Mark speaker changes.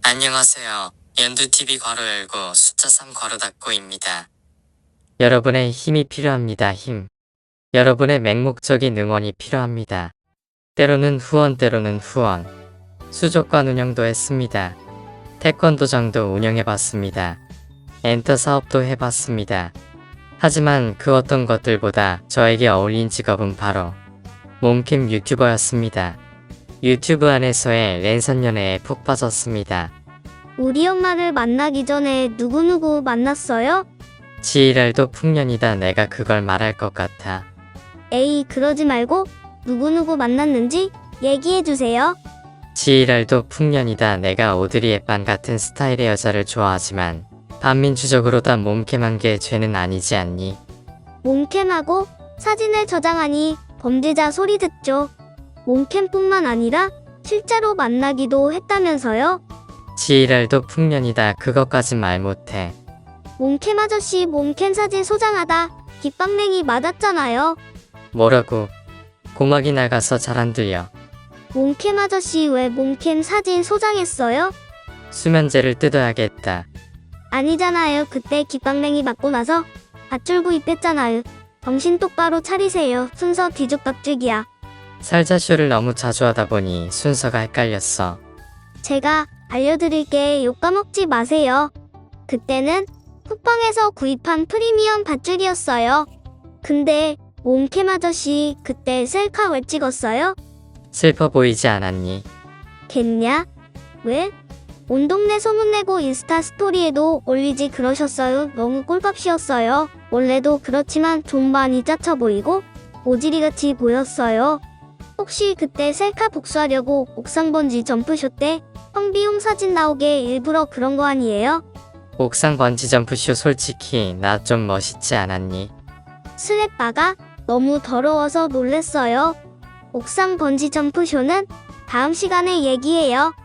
Speaker 1: 안녕하세요. 연두TV 괄호 열고 숫자 3 괄호 닫고입니다. 여러분의 힘이 필요합니다. 힘. 여러분의 맹목적인 응원이 필요합니다. 때로는 후원 때로는 후원. 수족관 운영도 했습니다. 태권도장도 운영해봤습니다. 엔터 사업도 해봤습니다. 하지만 그 어떤 것들보다 저에게 어울린 직업은 바로 몸캠 유튜버였습니다. 유튜브 안에서의 랜선 연애에 푹 빠졌습니다.
Speaker 2: 우리 엄마를 만나기 전에 누구누구 만났어요?
Speaker 1: 지랄도 풍년이다. 내가 그걸 말할 것 같아.
Speaker 2: 에이, 그러지 말고 누구누구 만났는지 얘기해주세요.
Speaker 1: 지랄도 풍년이다. 내가 오드리 헵반 같은 스타일의 여자를 좋아하지만 반민주적으로 다 몸캠한 게 죄는 아니지 않니?
Speaker 2: 몸캠하고 사진을 저장하니 범죄자 소리 듣죠. 몸캠뿐만 아니라 실제로 만나기도 했다면서요?
Speaker 1: 지랄도 풍년이다. 그것까진 말 못해.
Speaker 2: 몸캠 아저씨 몸캠 사진 소장하다 깃방맹이 맞았잖아요.
Speaker 1: 뭐라고? 고막이 나가서 잘 안 들려.
Speaker 2: 몸캠 아저씨 왜 몸캠 사진 소장했어요?
Speaker 1: 수면제를 뜯어야겠다.
Speaker 2: 아니잖아요. 그때 깃방맹이 맞고 나서 밧줄 구입했잖아요. 정신 똑바로 차리세요. 순서 뒤죽박죽이야.
Speaker 1: 살자쇼를 너무 자주 하다 보니 순서가 헷갈렸어.
Speaker 2: 제가 알려드릴게. 욕 까먹지 마세요. 그때는 쿠팡에서 구입한 프리미엄 밧줄이었어요. 근데 몸캠 아저씨 그때 셀카 왜 찍었어요?
Speaker 1: 슬퍼 보이지 않았니?
Speaker 2: 겠냐? 왜? 온 동네 소문내고 인스타 스토리에도 올리지 그러셨어요. 너무 꼴값이었어요. 원래도 그렇지만 좀 많이 짜쳐 보이고 오지리같이 보였어요. 혹시 그때 셀카 복수하려고 옥상 번지 점프쇼 때 황비용 사진 나오게 일부러 그런 거 아니에요?
Speaker 1: 옥상 번지 점프쇼 솔직히 나 좀 멋있지 않았니?
Speaker 2: 스랩바가 너무 더러워서 놀랬어요. 옥상 번지 점프쇼는 다음 시간에 얘기해요.